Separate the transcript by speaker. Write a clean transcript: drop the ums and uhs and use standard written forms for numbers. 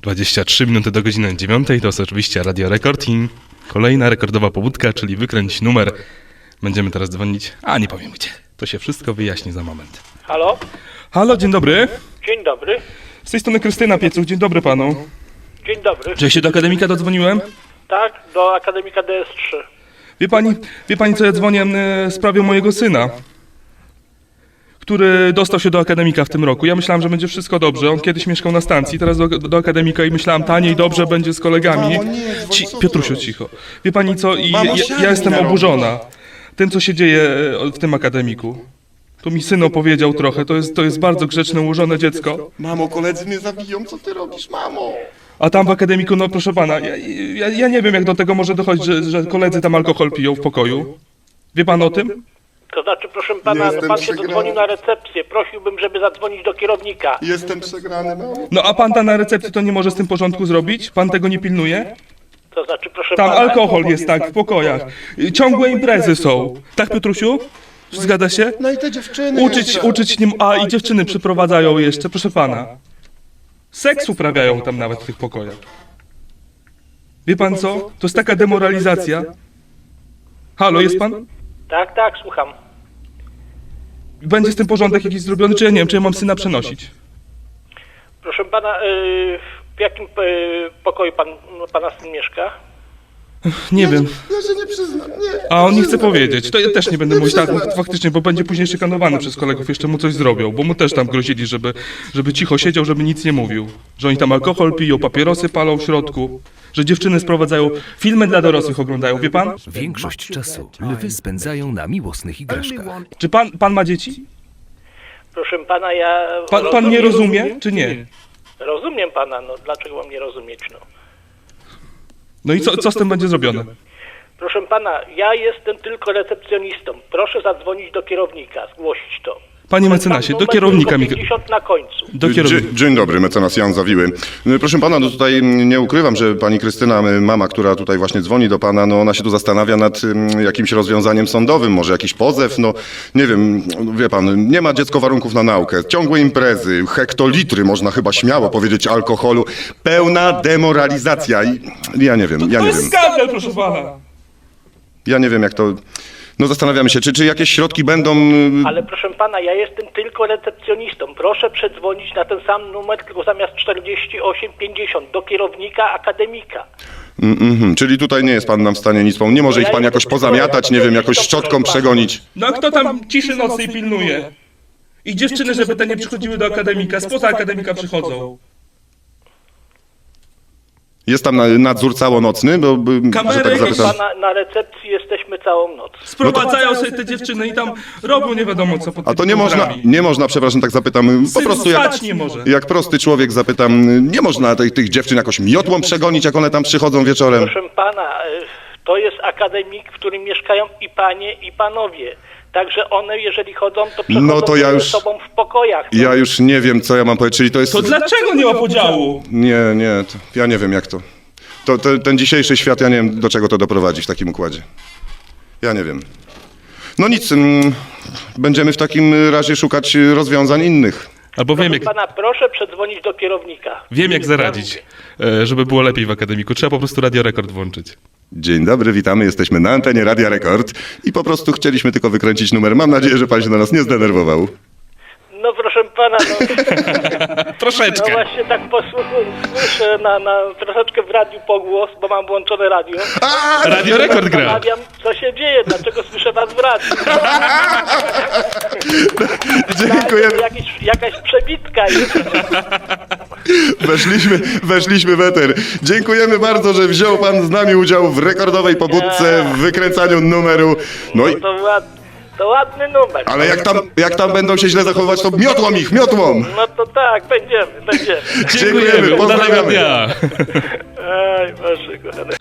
Speaker 1: 23 minuty do godziny 9, to jest oczywiście Radio Rekord i kolejna rekordowa pobudka, czyli wykręć numer. Będziemy teraz dzwonić, a nie powiem gdzie. To się wszystko wyjaśni za moment.
Speaker 2: Halo?
Speaker 1: Halo, dzień dobry.
Speaker 2: Dzień dobry.
Speaker 1: Z tej strony Krystyna Piecuch, dzień dobry panu.
Speaker 2: Dzień dobry.
Speaker 1: Czy ja się do akademika dodzwoniłem?
Speaker 2: Tak, do Akademika DS3.
Speaker 1: Wie pani co, ja dzwonię w sprawie mojego syna, który dostał się do akademika w tym roku. Ja myślałem, że będzie wszystko dobrze. On kiedyś mieszkał na stacji, teraz do akademika i myślałem, taniej, dobrze będzie z kolegami.
Speaker 3: Mamo, nie, dzwoń, co
Speaker 1: Piotrusiu,
Speaker 3: ty
Speaker 1: cicho. Wie pani co, i
Speaker 3: Mamo,
Speaker 1: ja
Speaker 3: siadaj
Speaker 1: jestem
Speaker 3: na rower.
Speaker 1: oburzona tym, co się dzieje w tym akademiku. Tu mi syn opowiedział trochę, to jest bardzo grzeczne, ułożone dziecko.
Speaker 3: Mamo, koledzy mnie zabiją, co ty robisz, mamo?
Speaker 1: A tam w akademiku, no proszę pana, ja nie wiem, jak do tego może dochodzić, że koledzy tam alkohol piją w pokoju. Wie pan o tym?
Speaker 2: To znaczy, proszę pana, no
Speaker 3: Jestem
Speaker 2: pan się
Speaker 3: przegrany.
Speaker 2: dodzwonił na recepcję. Prosiłbym, żeby zadzwonić do kierownika.
Speaker 3: Jestem przegrany, mamo.
Speaker 1: No a pan tam na recepcji to nie może z tym porządku zrobić? Pan tego nie pilnuje?
Speaker 2: To znaczy, proszę
Speaker 1: Tam
Speaker 2: pana...
Speaker 1: alkohol jest, tak, w pokojach. Ciągłe imprezy są. Tak, Piotrusiu? Zgadza się?
Speaker 3: No i te dziewczyny
Speaker 1: Uczyć nim, a i dziewczyny przyprowadzają jeszcze, proszę pana. Seks uprawiają tam nawet w tych pokojach. Wie pan co? To jest taka demoralizacja. Halo, jest pan?
Speaker 2: Tak, słucham.
Speaker 1: Będzie z tym porządek jakiś zrobiony, czy ja nie wiem, czy ja mam syna przenosić?
Speaker 2: Proszę pana, w jakim pokoju pana syn mieszka?
Speaker 1: Nie wiem.
Speaker 3: Ja się nie przyznam, nie.
Speaker 1: A on nie chce powiedzieć. To ja też nie będę mówić tak, faktycznie, bo będzie później szykanowany przez kolegów, jeszcze mu coś zrobią, bo mu też tam grozili, żeby cicho siedział, żeby nic nie mówił. Że oni tam alkohol piją, papierosy palą w środku, że dziewczyny sprowadzają, filmy dla dorosłych oglądają, wie pan?
Speaker 4: Większość czasu lwy spędzają na miłosnych igraszkach.
Speaker 1: Czy pan ma dzieci?
Speaker 2: Proszę pana, ja...
Speaker 1: Pan nie rozumie, czy nie?
Speaker 2: Rozumiem pana, no dlaczego mam nie rozumieć, no.
Speaker 1: No i co z tym będzie zrobione?
Speaker 2: Proszę pana, ja jestem tylko recepcjonistą. Proszę zadzwonić do kierownika, zgłosić to.
Speaker 1: Panie mecenasie, do
Speaker 2: Numer
Speaker 1: kierownika mi...
Speaker 2: tylko 50 na końcu.
Speaker 1: Do kierownika.
Speaker 3: Dzień dobry, mecenas Jan Zawiły. Proszę pana, no tutaj nie ukrywam, że pani Krystyna, mama, która tutaj właśnie dzwoni do pana, no ona się tu zastanawia nad jakimś rozwiązaniem sądowym, może jakiś pozew, no nie wiem, wie pan, nie ma dziecko warunków na naukę, ciągłe imprezy, hektolitry, można chyba śmiało powiedzieć, alkoholu, pełna demoralizacja i ja nie wiem,
Speaker 1: To jest skandal, proszę pana.
Speaker 3: ja nie wiem jak to... No zastanawiamy się, czy jakieś środki będą...
Speaker 2: Ale proszę pana, ja jestem tylko recepcjonistą. Proszę przedzwonić na ten sam numer, tylko zamiast 4850 do kierownika akademika.
Speaker 3: Czyli tutaj nie jest pan nam w stanie nic pomóc. Nie może ich pan jakoś pozamiatać, nie wiem, jakoś szczotką przegonić.
Speaker 1: No a kto tam ciszy nocnej pilnuje? I dziewczyny, żeby te nie przychodziły do akademika, spoza akademika przychodzą.
Speaker 3: Jest tam nadzór całonocny, bo że
Speaker 1: Kamery
Speaker 3: tak
Speaker 1: jakieś
Speaker 3: zapytam.
Speaker 2: Na recepcji jesteśmy całą noc.
Speaker 1: Sprowadzają sobie te dziewczyny i tam robią nie wiadomo co pod
Speaker 3: A to
Speaker 1: tymi komorami.
Speaker 3: nie można, przepraszam, tak zapytam, po
Speaker 1: Syn
Speaker 3: prostu
Speaker 1: spać nie może.
Speaker 3: jak prosty człowiek zapytam, nie można tych dziewczyn jakoś miotłą przegonić, jak one tam przychodzą wieczorem?
Speaker 2: Proszę pana, to jest akademik, w którym mieszkają i panie, i panowie. Także one, jeżeli chodzą, to przechodzą
Speaker 3: No to ja
Speaker 2: ze
Speaker 3: już-
Speaker 2: sobą w pokojach. No.
Speaker 3: Ja już nie wiem, co ja mam powiedzieć, czyli to jest...
Speaker 1: To dlaczego nie ma podziału?
Speaker 3: Nie, ja nie wiem, jak to... Ten dzisiejszy świat, ja nie wiem, do czego to doprowadzi w takim układzie. Ja nie wiem. No nic, będziemy w takim razie szukać rozwiązań innych.
Speaker 1: Albo
Speaker 2: Proszę pana, proszę przedzwonić do kierownika.
Speaker 1: wiem jak zaradzić, żeby było lepiej w akademiku. Trzeba po prostu Radio Rekord włączyć.
Speaker 3: Dzień dobry, witamy, jesteśmy na antenie Radia Rekord i po prostu chcieliśmy tylko wykręcić numer. Mam nadzieję, że pan się na nas nie zdenerwował.
Speaker 2: No proszę pana, no...
Speaker 1: Troszeczkę.
Speaker 2: No właśnie tak słyszę na troszeczkę w radiu pogłos, bo mam włączone radio.
Speaker 1: Radio Rekord gra.
Speaker 2: Zastanawiam, co się dzieje, dlaczego słyszę was w radiu.
Speaker 3: Dziękujemy.
Speaker 2: Jakaś przebitka jest.
Speaker 3: Weszliśmy w eter. Dziękujemy bardzo, że wziął pan z nami udział w rekordowej pobudce, w wykręcaniu numeru. No i...
Speaker 2: To ładny numer.
Speaker 3: Ale jak tam będą się źle zachowywać, to miotłą ich, miotłą!
Speaker 2: No to tak, będziemy.
Speaker 3: Dziękujemy,
Speaker 1: Udanego
Speaker 3: pozdrawiamy.
Speaker 1: dnia.
Speaker 2: Aj, Boże kochany.